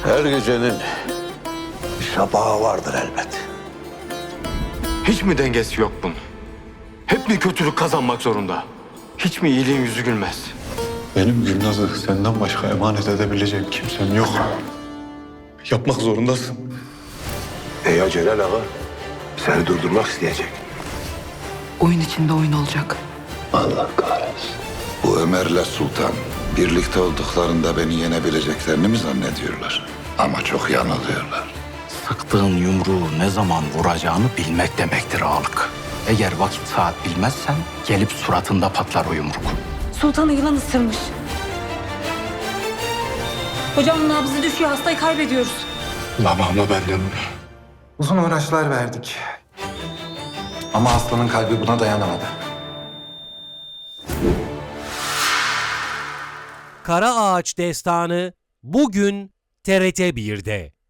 Her gecenin bir sabahı vardır elbet. Hiç mi dengesi yok bunun? Hep mi kötülük kazanmak zorunda? Hiç mi iyiliğin yüzü gülmez? Benim Gülnaz'ı senden başka emanet edebilecek kimsem yok. Yapmak zorundasın. Ya Celal Ağa seni durdurmak isteyecek. Oyun içinde oyun olacak. Allah kahretsin. Bu Ömer'le Sultan birlikte olduklarında beni yenebileceklerini mi zannediyorlar? Ama çok yanılıyorlar. Sıktığın yumruğu ne zaman vuracağını bilmek demektir ağalık. Eğer vakit saat bilmezsen gelip suratında patlar o yumruk. Sultanı yılan ısırmış. Hocam nabzı düşüyor, hastayı kaybediyoruz. Zamanla benden. Uzun uğraşlar verdik. Ama aslanın kalbi buna dayanamadı. Kara Ağaç Destanı bugün TRT 1'de.